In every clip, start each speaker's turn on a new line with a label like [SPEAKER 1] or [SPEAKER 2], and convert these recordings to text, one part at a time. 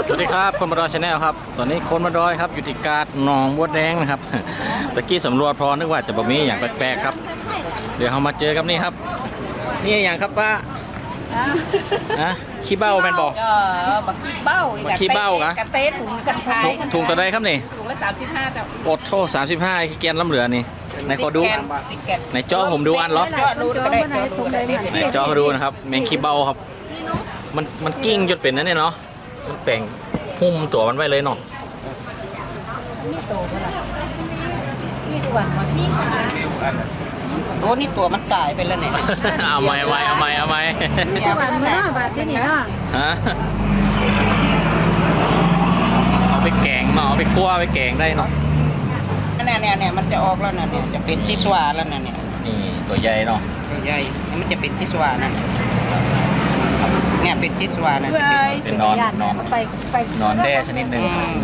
[SPEAKER 1] สวัสดีครับคนมาดอยชาแนลครับตอนนี้คนมาดอยครับอยู่ที่กาดหนองบัวแดงนะครับตะกี้สำรวจพอนึกว่าจะบ่มีอย่างแปลกๆครับเดี๋ยวเรามาเจอกับนี่ครับนี่อย่างครับป้านะขี้เบ้าแมนบอก
[SPEAKER 2] บักขี้เบ้า
[SPEAKER 1] ขี้เบ้ากะ
[SPEAKER 2] กระเต้ถุงกระชาย
[SPEAKER 1] ถุงตัวใดครับนี่
[SPEAKER 2] ถุงละ35จ้ะ
[SPEAKER 1] อดโทษ35ขี้แกนล้ำเหลือนี่ในขอดูในจอผมดูอันเหรอ
[SPEAKER 2] ดูก็ได้ดูก็ได้
[SPEAKER 1] ในจอเขาดูนะครับแมงขี้เบ้าครับมันกิ้งจนเป็นนั่นเนี่ยเนาะมันแปลงหุ้มตัวมันไว้เลยเนาะ
[SPEAKER 2] โอ้นี่ตัวมันตายไปแล้วเนี่ย
[SPEAKER 1] เอาไหมเอาไหม
[SPEAKER 2] บาทที่นี่เนาะ
[SPEAKER 1] ฮะเอาไปแกงเนาะเอาไปคั่วไปแกงได้เนาะ
[SPEAKER 2] เนี่ยมันจะออกแล้วนะเนี่ยจะเป็นทิชวาแล้วนะเนี่ย
[SPEAKER 1] นี่ตัวใหญ่เนาะ
[SPEAKER 2] ตัวใหญ่มันจะเป็นทิชวานะเนี่ยเป็นทิชวานะ
[SPEAKER 1] เป็นนอนแด้ชนิดหนึ่ง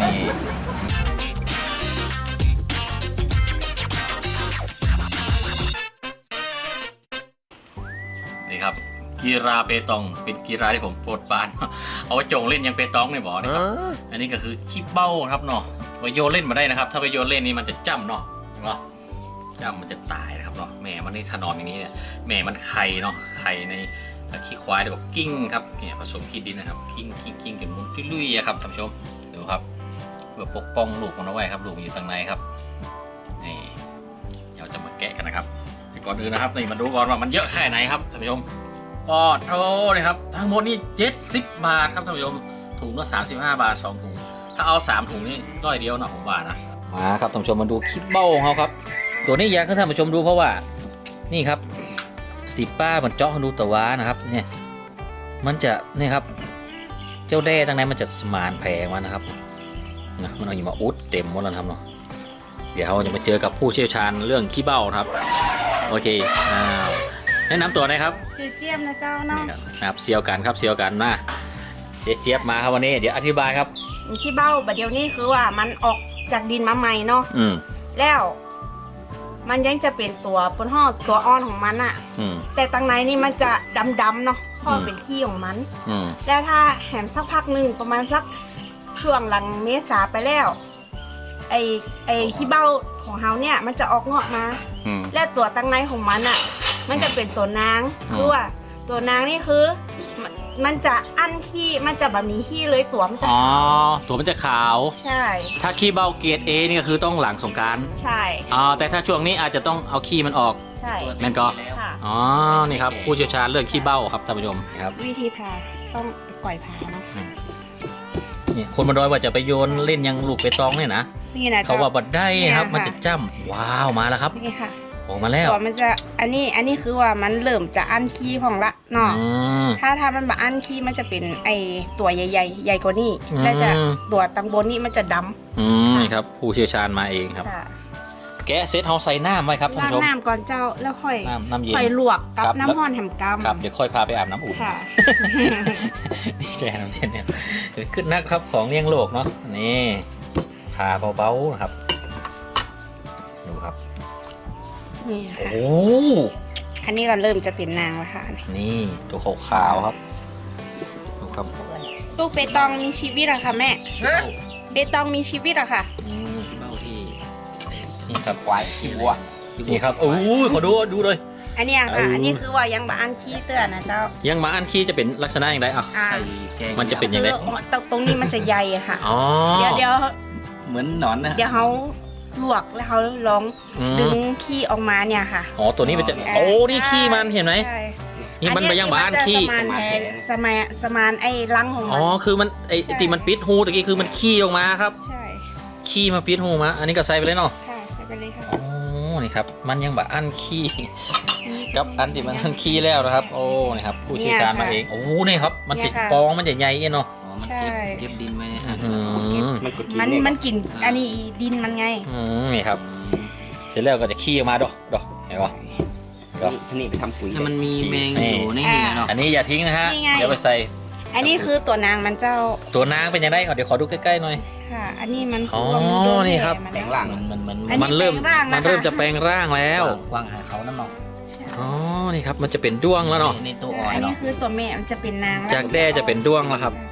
[SPEAKER 1] นี่ครับกีฬาเปตองเป็นกีฬาที่ผมโปรดปรานเอาไว้จงเล่นยังเปตองเนี่ยบอกนะครับอันนี้ก็คือขี้เบ้าครับเนาะไปโยนเล่นมาได้นะครับถ้าไปโยนเล่นนี่มันจะจ้ำเนาะเห็นไหมจ้ำมันจะตายนะครับเนาะแม่มันนี่ถนอมอย่างนี้เนี่ยแม่มันไข่เนาะไข่ในขี้ควายแล้วก็กิ้งครับเนี่ยผสมขี้ดินนะครับกิ้งจนมุนลุยๆครับท่านผู้ชมดูครับเพื่อปกป้องลูกมันเอาไว้ครับลูกมันอยู่ตรงไหนครับนี่เราจะมาแกะกันนะครับก่อนอื่นนะครับนี่มาดูก่อนว่ามันเยอะแค่ไหนครับท่านผู้ชมปอดโอ้เลยครับทั้งหมดนี่70 บาทครับท่านผู้ชมถุงละ35 บาท2ถุงถ้าเอา3ถุงนี่ร้อยเดียวนะผมว่านะมาครับท่านผู้ชมมาดูคลิปเบ้าของเขาครับตัวนี้อยากให้ท่านผู้ชมดูเพราะว่านี่ครับติป้ามันเจาะดูตะวานะครับเนี่ยมันจะนี่ครับเจ้าแด้ตั้งในมันจะสมานแผลมันนะครับนะมันเอาอยู่มาอุดเต็มหมดแล้วครับเนาะเดี๋ยวเราจะมาเจอกับผู้เชี่ยวชาญเรื่องขี้เบ้าครับโอเคแนะนำตัวหน่อยครับ
[SPEAKER 3] ชื่อเจี๊ยบนะเจ้าเนาะ
[SPEAKER 1] ครับเซียวกันครับเซียวกันนะเจี๊ยบมาครับวันนี้เดี๋ยวอธิบายครับ
[SPEAKER 3] ขี้เบ้าบัดเดี๋ยวนี้คือว่ามันออกจากดินมาใหม่เนาะแล้วมันยังจะเป็นตัวปนห่อตัวอ่อนของมันอะแต่ตั้งในนี่มันจะดำๆเนาะเพราะเป็นขี้ของมันแล้วถ้าแหมสักพักหนึ่งประมาณสักช่วงหลังเมษาไปแล้วไอขี้เบ้าของเฮาเนี่ยมันจะออกเงาะมาและตัวตั้งในของมันอะมันจะเป็นตัวนางคือว่าตัวนางนี่คือมันจะอั้นขี้มันจะแบบนี้ขี้เลยตัวมันจะ
[SPEAKER 1] ตัวมันจะขาว
[SPEAKER 3] ใช่
[SPEAKER 1] ถ้าขี้เบ้าเกรด A นี่ก็คือต้องหลังสงกรานต์
[SPEAKER 3] ใช่
[SPEAKER 1] แต่ถ้าช่วงนี้อาจจะต้องเอาขี้มันออก
[SPEAKER 3] ใช่
[SPEAKER 1] แม่นก็นี่ครับผู้เชี่ยวชาญเรื่องขี้เบ้าครับท่านผู้ชมครับ
[SPEAKER 3] วิธีผ่าต้องก่อยผ่าเนาะ
[SPEAKER 1] นี่คนมาดอยว่าจะไปโยนเล่นยังลูกไปตองเนี่ยนะเขาว่าบัดได้ครับมันจะจ้ำว้าวมาแล้วครับ
[SPEAKER 3] นี่ค่ะ
[SPEAKER 1] ออกมาแล้ว
[SPEAKER 3] ตัวมันจะอันนี้คือว่ามันเริ่มจะอั้นขี้ของละเนาะถ้ามันแบบอั้นขี้มันจะเป็นไอตัวใหญ่ใหญ่กว่านี้แล้วจะตัวตังบนนี่มันจะด
[SPEAKER 1] ำนี่ครับผู้เชี่ยวชาญมาเองครับแกะเซตเฮาใส่น้ำไว้ครับท่านผู้ชม
[SPEAKER 3] น้ำก่อนเจ้าแล้วค่อย
[SPEAKER 1] น้ำเย็น
[SPEAKER 3] ค่อยลวกกับน้ำห้อนแหมกำ
[SPEAKER 1] ครับเดี๋ยวค่อยพาไปอาบน้ำอุ่นดีใจน้ำเย็นเนี่ยขึ้นนะครับของเลี้ยงโลกเนาะนี่พาเบาๆนะครับดูครับโอ้
[SPEAKER 3] อันนี้ก็เริ่มจะเป็นนางแล้วค่ะ
[SPEAKER 1] นี่ตัวขาวๆครับดูครับ
[SPEAKER 3] ลูกเปตองมีชีวิตอะค่ะแม่เปตองมีชีวิตอะค่ะ
[SPEAKER 1] เบ้าที่นี่ครับควายขี้วัวนี่ครับโอ้ยขอดูเลย
[SPEAKER 3] อันนี้ค่ะอันนี้คือว่ายังมาอันขี้เตือนนะเจ้า
[SPEAKER 1] ยังมาอันขี้จะเป็นลักษณะอย่างไรอ่ะใส่แกงมันจะเป็นอย่างไร
[SPEAKER 3] ตรงนี้มันจะใหญ่อะค่ะเดี๋ยว
[SPEAKER 1] เหมือนหนอนนะ
[SPEAKER 3] เดี๋ยวเขาลวกแล้วเขาลองดึงขี้ออกมาเนี่ยค่ะ
[SPEAKER 1] ตัวนี้มันจะนี่ขี้มันเห็นไหมนี่มันไปยังบ้านขี้
[SPEAKER 3] สมานไอ้รังของมัน
[SPEAKER 1] คือมันไอ้ที่มันปิดหูตะกี้คือมันขี้ออกมาครับ
[SPEAKER 3] ใช่
[SPEAKER 1] ขี้มาปิดหูมาอันนี้ก็ใส่ไปเลยเนาะ
[SPEAKER 3] ค่ะใส่ไปเลยค่ะ
[SPEAKER 1] นี่ครับมันยังแบบอันขี้กับอันที่มันอันขี้แล้วนะครับนี่ครับผู้เชี่ยวชาญมาเองนี่ครับมันจะฟองมันจะใหญ่เนาะ
[SPEAKER 3] ใช่
[SPEAKER 1] เก็บดินไว้
[SPEAKER 3] มันกินอันนี้ดินมันไง
[SPEAKER 1] นี่ครับเสร็จแล้วก็จะขี้ออกมาดอกเห็นป่ะ
[SPEAKER 2] นี่ไปทำปุ๋ย
[SPEAKER 4] มันมีแมงอยู่ในนี้เนาะ
[SPEAKER 1] อันนี้อย่าทิ้งนะฮะเดี๋ยวไปใส่
[SPEAKER 3] อันนี้คือตัวนางมันเจ้า
[SPEAKER 1] ตัวนางเป็นยังไงเดี๋ยวขอดูใกล้ๆหน่อย
[SPEAKER 3] ค่ะอันนี้มัน
[SPEAKER 1] นี่ครับ
[SPEAKER 2] แปลงร่าง
[SPEAKER 1] มันเริ่มจะแปลงร่างแล้ว
[SPEAKER 4] กวางหาเขาน้ำเนาะ
[SPEAKER 1] นี่ครับมันจะเป็นด้วงแล้วเนาะ
[SPEAKER 4] ในตัวอ่อน
[SPEAKER 3] อันนี้คือตัวแม่มันจะเป็นนาง
[SPEAKER 1] จากแด้จะเป็นด้วงแล้วครับ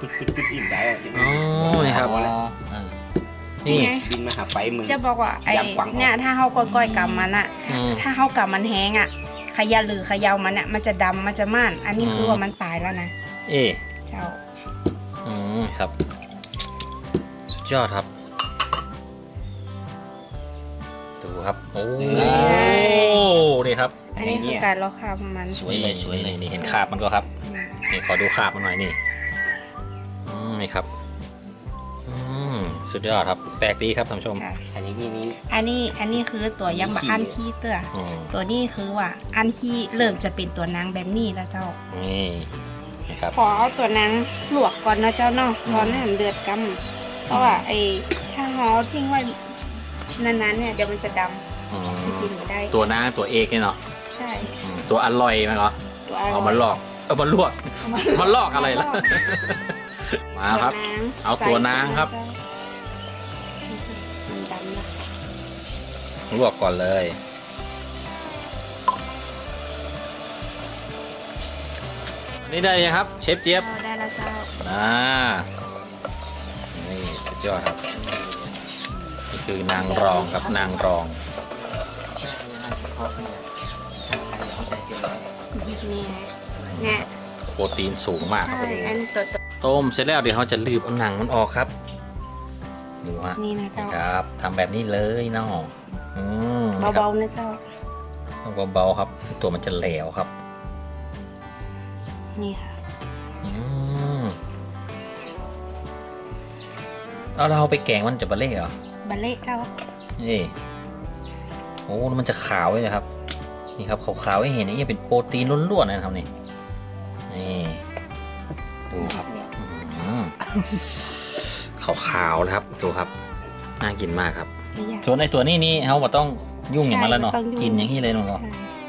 [SPEAKER 5] ดอิ่มได้
[SPEAKER 1] อ๋อนี่ครับ นี่
[SPEAKER 3] ไง
[SPEAKER 5] บินมาหาไฟมึง
[SPEAKER 3] จะบอกว่าไอ้
[SPEAKER 5] ยำกวางทอง
[SPEAKER 3] เนี่ยถ้าเขาก้อยๆกับมันอะ
[SPEAKER 1] อืม
[SPEAKER 3] ถ้าเขากับมันแห้งอะขยะหรือเขยามันอะมันจะดำมันจะม่าน อันนี้คือว่ามันตายแล้วนะ
[SPEAKER 1] เอ๊ะ
[SPEAKER 3] เจ้า
[SPEAKER 1] ครับสุดยอดครับดูครับโอ้นี่ครับ
[SPEAKER 3] อันนี้คือการลอกคราบของมัน
[SPEAKER 4] สวยเลยสวยเลย
[SPEAKER 1] นี่เห็นคราบมันก็ครับนี่ขอดูคราบมันหน่อยนี่นี่ครับสุดยอดครับแปลกดีครับท่านผู้ชม
[SPEAKER 3] ค่ะ
[SPEAKER 5] อันนี้นี่
[SPEAKER 3] อันนี้คือตัวยังบะอันขี้เตื้อ
[SPEAKER 1] อืม
[SPEAKER 3] ตัวนี้คือว่าอันขี้เริ่มจะเป็นตัวนางแบบนี้แล้วเจ้า
[SPEAKER 1] นี่นะครับ
[SPEAKER 3] ขอเอาตัวนางลวกก่อนนะเจ้าเนาะร้อนให้มันเดือดกำเพราะว่าไอ้ถ้าเราทิ้งไว้นานๆเนี่ยเดี๋ยวมันจะดำจะกินไม่ได้
[SPEAKER 1] ตัวนางตัวเอกเนี่ยเนาะ
[SPEAKER 3] ใช่
[SPEAKER 1] ตัวอร่อยมั้ยเหรอ
[SPEAKER 3] ตัว
[SPEAKER 1] เอามาลอกมาลวกมาลอกอะไรล่ะมาครับ เอาตัวนางครับ
[SPEAKER 3] มันดำนะ
[SPEAKER 1] ลวกก่อนเลยอันนี้ได้ยังครับเชฟเจี๊ยบ
[SPEAKER 3] ได้แล้วเจ้า
[SPEAKER 1] นี่สุดยอดครับนี่คือนางรองครับนางรอง
[SPEAKER 3] นี่เนี่ย
[SPEAKER 1] โปรตีนสูงมากครับ
[SPEAKER 3] ใช่อันนี้ตัว
[SPEAKER 1] ต้มเสร็จแล้วเดี๋ยวเขาจะรีบเอาหนังมันออกครับดูฮะ
[SPEAKER 3] นี่นะเจ้า
[SPEAKER 1] ครับทำแบบนี้เลยเนาะนี่ครับ
[SPEAKER 3] เบาๆนะเจ้า
[SPEAKER 1] ต้องเบาๆครับตัวมันจะเหลวครับ
[SPEAKER 3] นี่ค่ะ
[SPEAKER 1] เอาเราไปแกงมันจะบะเล่เหรอ
[SPEAKER 3] บัลเล่เจ้า
[SPEAKER 1] นี่โอ้แล้วมันจะขาวเลยนะครับนี่ครับขาวๆให้เห็นนี่เป็นโปรตีนล้วนๆนะครับนี่ดูครับขาวๆนะครับดูครับน่ากินมากครับ
[SPEAKER 3] ไม่ยาก
[SPEAKER 1] ส่วนไอตัวนี้เขาบอกต้องยุ่งอย่างมันแล้วเนาะ
[SPEAKER 3] ใช่ต้องยุ่ง
[SPEAKER 1] กินอย่างนี้เลยเนาะ
[SPEAKER 3] ใช่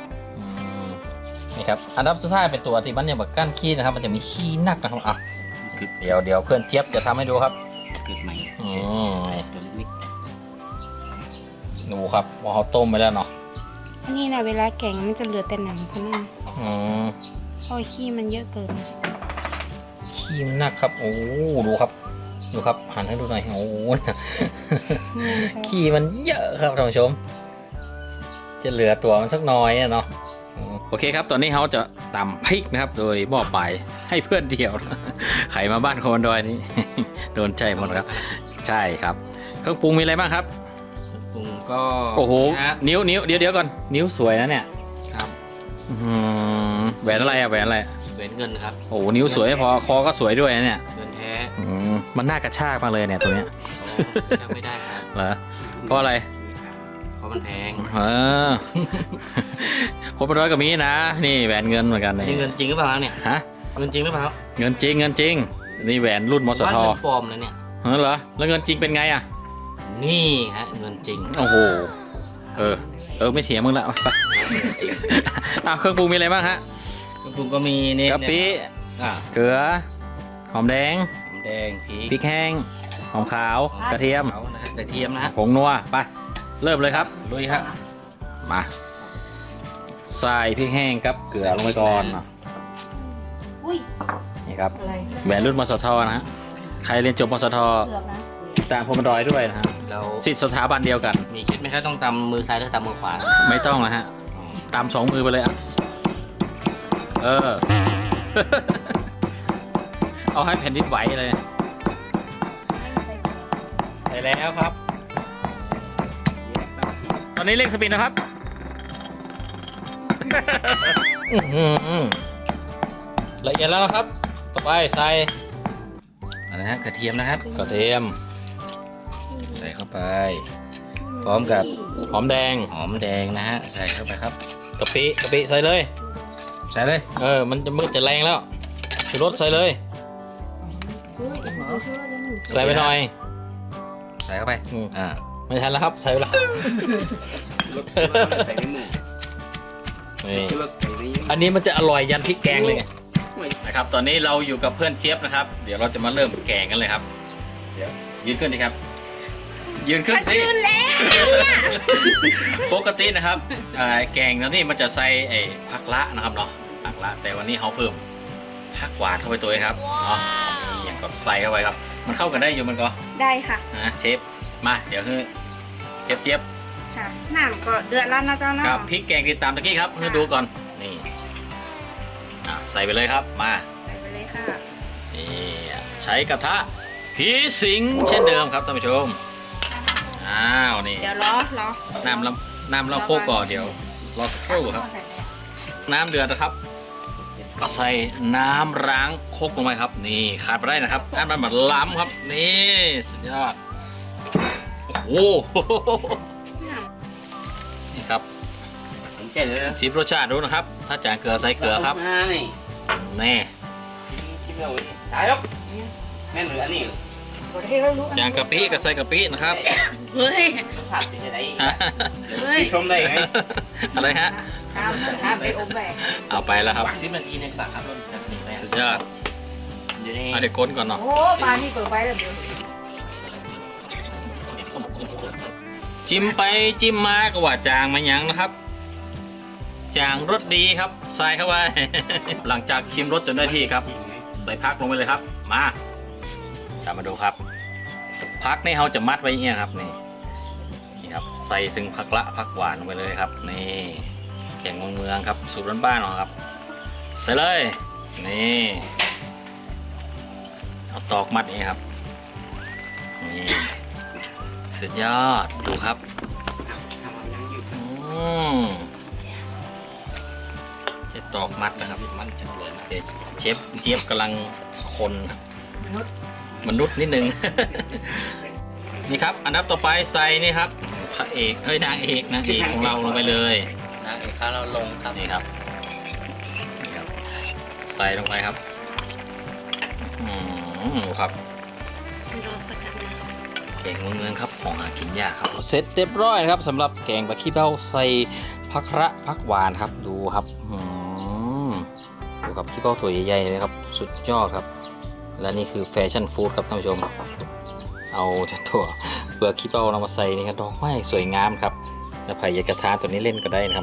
[SPEAKER 1] นี่ครับอันดับสุดท้ายเป็นตัวที่มันเนี่ยแบบก้านขี้นะครับมันจะมีขี้นักนะครับอ่ะเดี๋ยวเพื่อนเจี๊ยบจะทำให้ดูครับ
[SPEAKER 5] เกิดใหม่
[SPEAKER 1] ตัวเล็กดูครับว่าเขาต้มไปแล้วเนาะ
[SPEAKER 3] อันนี้นะเวลาแกงมันจะเหลือแต่หนังเท่านั้น
[SPEAKER 1] อืม
[SPEAKER 3] เพราะขี้มันเยอะเกิน
[SPEAKER 1] ขี้มันนักครับโอ้ดูครับหันให้ดูหน่อยโอ้ ขี้มันเยอะครับท่านผู้ชม จะเหลือตัวมันสักน้อยอะเนาะโอเคครับตอนนี้เขาจะตำพริกนะครับ โดยมอบไปให้เพื่อนเดียว ใครมาบ้านโคนดอยนี้ โดนใจหมดครับ ใช่ครับเครื่องปรุงมีอะไรบ้างครับ
[SPEAKER 5] ปรุงก็
[SPEAKER 1] โอ้โห
[SPEAKER 5] นะ
[SPEAKER 1] นิ้วเดี๋ยวก่อนนิ้วสวยนะเนี่ย
[SPEAKER 5] ครับ
[SPEAKER 1] แหวนอะไรอะแหวนอะไร
[SPEAKER 5] เว้นเงินครับ
[SPEAKER 1] โอ้โหนิ้วสวยไม่พอคอก็สวยด้วยนะเนี่ย
[SPEAKER 5] เงินแท้
[SPEAKER 1] มันน่ากระชากมากเลยเนี่ยตัวเนี้ย
[SPEAKER 5] จำไม่ได้ครับ
[SPEAKER 1] เหรอเพราะอะไร
[SPEAKER 5] เพราะมันแพง
[SPEAKER 1] คนเป็นร้อยก็มีนะ นี่แหวนเงินเหมือนกัน
[SPEAKER 5] นี่เงินจริงหรือเปล่าเนี่ย
[SPEAKER 1] ฮะ
[SPEAKER 5] เงินจริงหรือเปล่า
[SPEAKER 1] เงินจริงนี่แหวนรุ่นมส
[SPEAKER 5] ว่า
[SPEAKER 1] ท
[SPEAKER 5] เงินปลอมนะเนี่ย
[SPEAKER 1] เหรอแล้วเงินจริงเป็นไงอ่ะ
[SPEAKER 5] นี่ฮะเงินจริง
[SPEAKER 1] โอ้โหไม่เถียงมึงละไป
[SPEAKER 5] จริง
[SPEAKER 1] เครื่องปรุงมีอะไรบ้างฮะ
[SPEAKER 5] เครื่องปรุงก็มีนี่
[SPEAKER 1] กะปิ
[SPEAKER 5] อ่ะ
[SPEAKER 1] เกลือหอมแดง
[SPEAKER 5] หอมแดงพริก
[SPEAKER 1] พริกแห้งหอมขาวกระเทียม
[SPEAKER 5] ขาวนะฮะกระเทียมนะฮะ
[SPEAKER 1] ผงนัวไปเริ่มเลยครับ
[SPEAKER 5] ลุยครับ
[SPEAKER 1] มาใส่พริกแห้งกับเกลือลงไปก่อน
[SPEAKER 3] อุ้ย
[SPEAKER 1] นี่ครับ
[SPEAKER 3] อะไร
[SPEAKER 1] แหวนรุ่นมสทนะฮะใครเรียนจบมสท
[SPEAKER 3] เกือบนะ
[SPEAKER 1] ตามพมดอยด้วยนะฮะ
[SPEAKER 5] เรา
[SPEAKER 1] สิทธิสถาบันเดียวกัน
[SPEAKER 5] มีคิดไหมครับต้องตำมือซ้ายหรือตำมือขวา
[SPEAKER 1] ไม่ต้องนะฮะตามสองมือไปเลยอ่ะเอาให้แผ่นดินไหวเลยใส่แล้วครับ ตอนนี้เร่งสปีดนะครับ ละเอียดแล้วนะครับ ต่อไปใส่
[SPEAKER 5] อะไรฮะกระเทียมนะครับ
[SPEAKER 1] กระเทียม
[SPEAKER 5] ใส่เข้าไป พร้อมกับ
[SPEAKER 1] หอมแดง
[SPEAKER 5] หอมแดงนะฮะใส่เข้าไปครับ
[SPEAKER 1] กะปิใส่เลย
[SPEAKER 5] ใส่เลย
[SPEAKER 1] มันจะมืดจะแรงแล้วชูรสใส่เลย ใส่ไปหน่อย
[SPEAKER 5] ใส่เข้าไป
[SPEAKER 1] อืม
[SPEAKER 5] อ่า
[SPEAKER 1] ไม่ทันแล้วครับ ใส่ไปแล้วนี่อันนี้มันจะอร่อยยันพริกแกงเลยไงนะครับ ตอนนี้เราอยู่กับเพื่อนเจี๊ยบนะครับ เดี๋ยวเราจะมาเริ่มแกงกันเลยครับ เดี๋ยวยืนขึ้นดิครับ ยืนขึ้นสิ
[SPEAKER 3] ยืนแล้ว
[SPEAKER 1] ปกตินะครับแกงแล้วนี่มันจะใส่ผักละนะครับเนาะผักละแต่วันนี้เขาเพิ่มผักหวานเข้าไปตัวเองครับเนาะนี่อย่างก็ใส่เข้าไปครับ มันเข้ากันได้อยู่มันก็
[SPEAKER 3] ได้ค่ะ
[SPEAKER 1] นะเชฟมาเดี๋ยวคือเจี๊ยบ
[SPEAKER 3] ค่ะน้ำก็เดือดแล้วนะเจ้าเนาะ
[SPEAKER 1] กับพริกแกงที่ตามตะกี้ครับเพื่อดูก่อนนี่ใส่ไปเลยครับมา
[SPEAKER 3] ใส่ไปเลยค่ะ
[SPEAKER 1] นี่ใช้กระทะผีสิงเช่นเดิมครับท่านผู้ชมอ้าวนี่
[SPEAKER 3] เดี๋ยวรอ
[SPEAKER 1] น้ำเราโคกก่อนเดี๋ยวรอสักครู่ครับ น้ำเดือดนะครับก็ใส่น้ำล้างโคกลงไปครับนี่ขาดไปได้นะครับอันมันแบบล้ำครับนี่สุดยอดโอ้โหนี่ครับ
[SPEAKER 4] ผมเจ๊เลยนะ
[SPEAKER 1] ชิมรสชาติดูนะครับ ถ้าจางเกลือใส่เกลือครับ
[SPEAKER 4] มานี่
[SPEAKER 1] แน่
[SPEAKER 4] ชิมเอาไว้ตายแล้วแม่นหรืออันนี้
[SPEAKER 1] จางกะปิก็ใส่กะปินะครับ
[SPEAKER 3] เฮ้ย
[SPEAKER 4] รสชาติเป็นยังไง
[SPEAKER 3] เฮ้ย
[SPEAKER 4] พี่ชมได้ไง
[SPEAKER 1] อะไรฮะ
[SPEAKER 3] ข้ามไปอมแบก
[SPEAKER 1] เอาไปแล้วครับ
[SPEAKER 4] ซิมันกินในปากครับรสแบบนี้แม่
[SPEAKER 1] สุดยอด
[SPEAKER 4] เดี๋ยวนี้
[SPEAKER 1] เอาเดี๋ยวก้นก่อนเนาะ
[SPEAKER 3] โอ้ปลานี่เปิดไฟแล้วเดี๋ยว
[SPEAKER 1] จิ้มไปจิ้มมาก็ว่าจางมาหยังนะครับ จางรสดีครับใส่เข้าไป หลังจากชิมรสจนได้ที่ครับ ใส่พักลงไปเลยครับ มาตามมาดูครับพักนี่เขาจะมัดไว้อย่างเงี้ยครับนี่ครับใส่ถึงผักละผักหวานลงไปเลยครับนี่แกงเมืองครับสูตรบ้านๆเนาะครับใส่เลยนี่เอาตอกมัดนี่ครับนี่สุดยอดดูครับเชฟตอกมัดนะครับมันจะเลยนะเดี๋ยวเชฟเจี๊ยบกำลังคนมนุษย์นิดนึง นี่ครับอันดับต่อไปใส่นี่ครับพระเอกเฮ้ยนางเอกของเราลงไปเลย
[SPEAKER 4] นางเอกข้าเราลงครับ
[SPEAKER 1] นี่ครับใส่ลงไปครับดูครับ
[SPEAKER 3] รอสักกันนะ
[SPEAKER 1] แกงเมืองครับของหากินยากครับเสร็จเรียบร้อยนะครับสำหรับแกงปลาขี้เบ้าใส่ผักระผักหวานครับดูครับดูครับขี้เบ้าตัวใหญ่ๆเลยครับสุดยอดครับและนี่คือแฟชั่นฟู้ดครับท่านผู้ชมเอาตัวเปลือกขี้เบ้าเรามาใส่นี่ครับดอกไม้สวยงามครับแล้วไผ่ยากระทานตัวนี้เล่นก็ได้นะครับ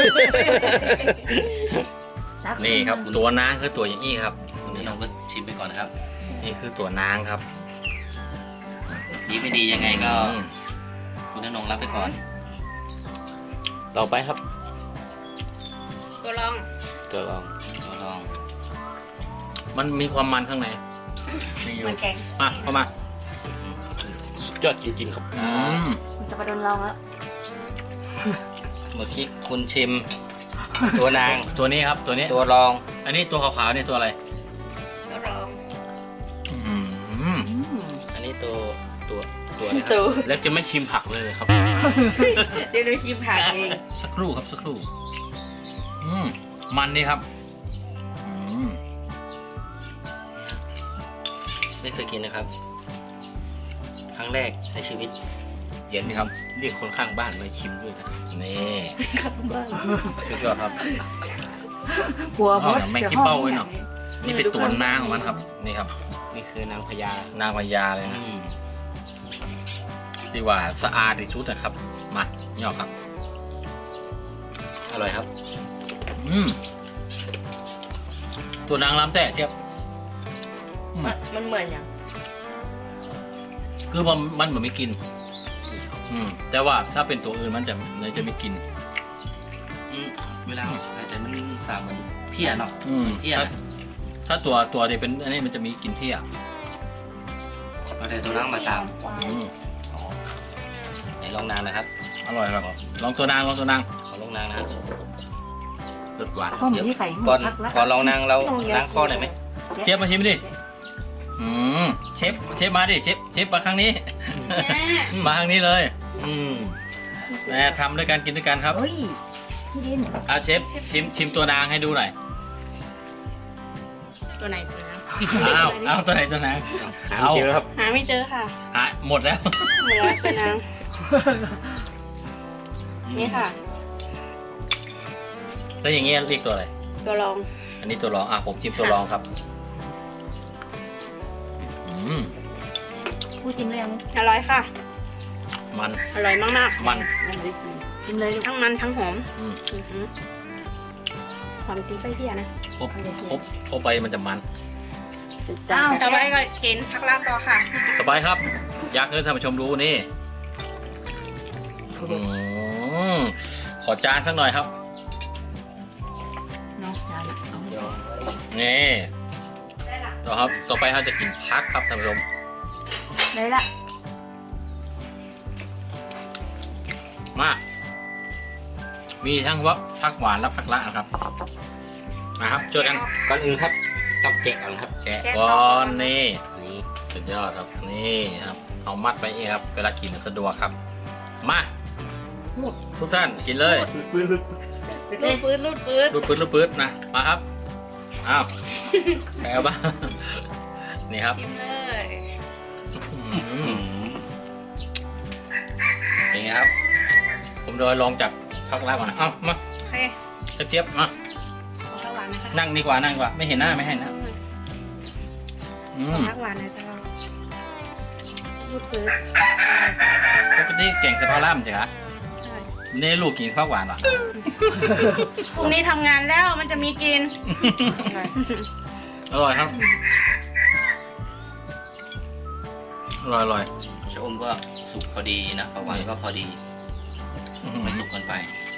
[SPEAKER 1] นี่ครับตัวนางคือตัวอย่างนี้ครับ
[SPEAKER 4] นี่เราก็ชิมไปก่อนนะครับ
[SPEAKER 1] นี่คือตัวนางครับ
[SPEAKER 4] ดีไม่ดียังไงก็คุณนงรับไปก่อน
[SPEAKER 1] ต่อไปครับ
[SPEAKER 3] ตัวลอง
[SPEAKER 1] ตัวลอง
[SPEAKER 4] ลอง
[SPEAKER 1] มันมีความมันข้างในมีอยู่
[SPEAKER 3] มันแกง
[SPEAKER 1] มาเข้ามา
[SPEAKER 5] ยอดจริงๆครับ
[SPEAKER 3] มันจะไปโดนลองแล้ว
[SPEAKER 4] เมื่อกี้คุณชิม ตัวนาง
[SPEAKER 1] ตัวนี้ครับตัวนี้
[SPEAKER 4] ตัวรอง
[SPEAKER 1] อันนี้ตัวขาวๆนี่ตัวอะไร
[SPEAKER 3] ตัวลอง
[SPEAKER 4] อันนี้ตัวอะไรครับ
[SPEAKER 3] ตัว
[SPEAKER 5] แล้วจะไม่ชิมผักเลยครับ
[SPEAKER 3] เดี๋ยวดูชิมผักเอง
[SPEAKER 1] สักครู่ครับสักครู่มันนี่ครับ
[SPEAKER 4] ไม่เคยกินนะครับ ครั้งแรกในชีวิต
[SPEAKER 1] เย็นนี่ครับ
[SPEAKER 5] เรียกคนข้างบ้านมาชิมด้วยนะ
[SPEAKER 1] นี่สุดยอดครับ
[SPEAKER 3] หัว
[SPEAKER 1] อ๋อไม่กินเป้าไว้เนาะนี่เป็นตัวนางของมันครับนี่ครับ
[SPEAKER 4] นี่คือนางพญาน
[SPEAKER 1] างพญาเลยนะที่ว่าสะอาดที่สุดนะครับมาย่อครับ
[SPEAKER 4] อร่อยครับ
[SPEAKER 1] ตัวนางลำแต่เทียบ
[SPEAKER 3] มันเหมือนอย่าง
[SPEAKER 1] คือมันเหมือนไม่กินแต่ว่าถ้าเป็นตัวอื่นมันจะไม่กิน
[SPEAKER 4] เวลาอาจจะมันสามเหมือนเพี้ยเนาะเพี้ย
[SPEAKER 1] ถ้าตัวที่เป็นอันนี้มันจะมีกลิ่นเที่ย
[SPEAKER 4] เอาแต่ตัวนางมาสามไหนลองนางนะครับ
[SPEAKER 1] อร่อยครับลองตัวนาง
[SPEAKER 4] ขอลองนางนะ
[SPEAKER 5] รสหวาน
[SPEAKER 3] ข้อมูลที่ไข่
[SPEAKER 4] ก่อนลองนางเราล้างข้อหน่อยไหม
[SPEAKER 1] เชฟมาชิมดิเชฟมาดิเชฟมาครั้งนี้ มาครั้งนี้เลยแม่ทำด้วยกันกินด้วยกันครับ
[SPEAKER 3] เฮ้ยพี่ดิน
[SPEAKER 1] เอาเชฟชิมตัวนางให้ดูหน่อย
[SPEAKER 3] ตัวไหนตัวนะ
[SPEAKER 1] เอาตัวไหนตัวนาง
[SPEAKER 5] เอาเจอครับ
[SPEAKER 3] หาไม่เจอค่ะ
[SPEAKER 1] หมดแล้ว
[SPEAKER 3] เหลือตัวนางนี่ค่ะ
[SPEAKER 1] แล้วอย่างเงี้ยเรียกตัวอะไร
[SPEAKER 3] ตัวลอง
[SPEAKER 1] อันนี้ตัวรองผมชิมตัวรองครับ
[SPEAKER 3] ผู้ชิมเลยยังอร่อยค่ะ
[SPEAKER 1] มัน
[SPEAKER 3] อร่อยมาก
[SPEAKER 1] มัน
[SPEAKER 3] ๆชิมเลยทั้งมันทั้งหอมความกินไส้เพี้ยนะ
[SPEAKER 1] ครบไปมันจะมัน
[SPEAKER 3] อ้าวต่อไปก็กินผักลาต่อค่ะ
[SPEAKER 1] ต่อไปครับ อยากให้ท่านผู้ชมดูนี่ขอจานสักหน่อยครับ
[SPEAKER 3] เนาะจาน
[SPEAKER 1] นี่ต่อครับต่อไปเราจะกินพักครับท่านผู้ชม
[SPEAKER 3] ได้ละ
[SPEAKER 1] มามีทั้งว่าพักหวานและพักละนะครับมาครับช่วยกัน
[SPEAKER 5] ก่อนอื่นครับต้องแกะก่อนครับ
[SPEAKER 1] แกะก่อนนี่
[SPEAKER 5] นี่
[SPEAKER 1] สุดยอดครับนี่ครับเอามัดไปเองครับเวลากินสะดวกครับมาทุกท่านกินเลย
[SPEAKER 3] รูดปืด
[SPEAKER 1] รูดปื๊ดนะมาครับอ้าวแปลว่า นี่ครับ
[SPEAKER 3] กินเลย
[SPEAKER 1] เป็นไงครับ ผมโดยลองจากพักละก่อนนะเอ้ามา
[SPEAKER 3] โอเค
[SPEAKER 1] เจี๊ยบมา
[SPEAKER 3] ขอผักหวานนะคะ
[SPEAKER 1] นั่งดีกว่านั่งดีกว่าไม่เห็นหน้าไม่ให้นะ
[SPEAKER 3] ขอผักหวานนะจ๊ะเรารูดปืด
[SPEAKER 1] ปกติเก่งสะพาล่ามใช่ไหม
[SPEAKER 3] ใช่
[SPEAKER 1] นี่ลูกกินข้าวหวานเหรอ
[SPEAKER 3] พรุ่งนี้ทำงานแล้วมันจะมีกิน
[SPEAKER 1] อร่อยครับอร่อย
[SPEAKER 4] ชะอมก็สุกพอดีนะผักหวานก็พอดี ไม่สุกเกินไป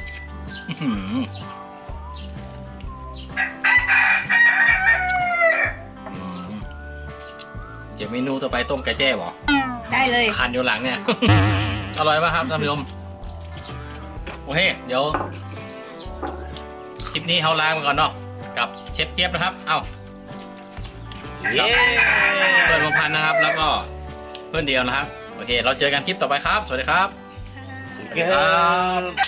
[SPEAKER 1] เดี๋ยวเมนูต่อไปต้มไก่แจ้บอ
[SPEAKER 3] ได้เลย
[SPEAKER 1] คันอยู่หลังเนี่ย อร่อยป่ะครับท่านผู้ชมโอเคเดี๋ยวคลิปนี้เขาล้างไปก่อนเนาะกับเชฟเจี๊ยบนะครับเอ้า
[SPEAKER 5] เย้
[SPEAKER 1] เพื่อนพงพันธ์นะครับ แล้วก็เพื่อนเดียวนะครับโอเค เราเจอกันคลิปต่อไปครับ สวัสดีครับ
[SPEAKER 5] ครับ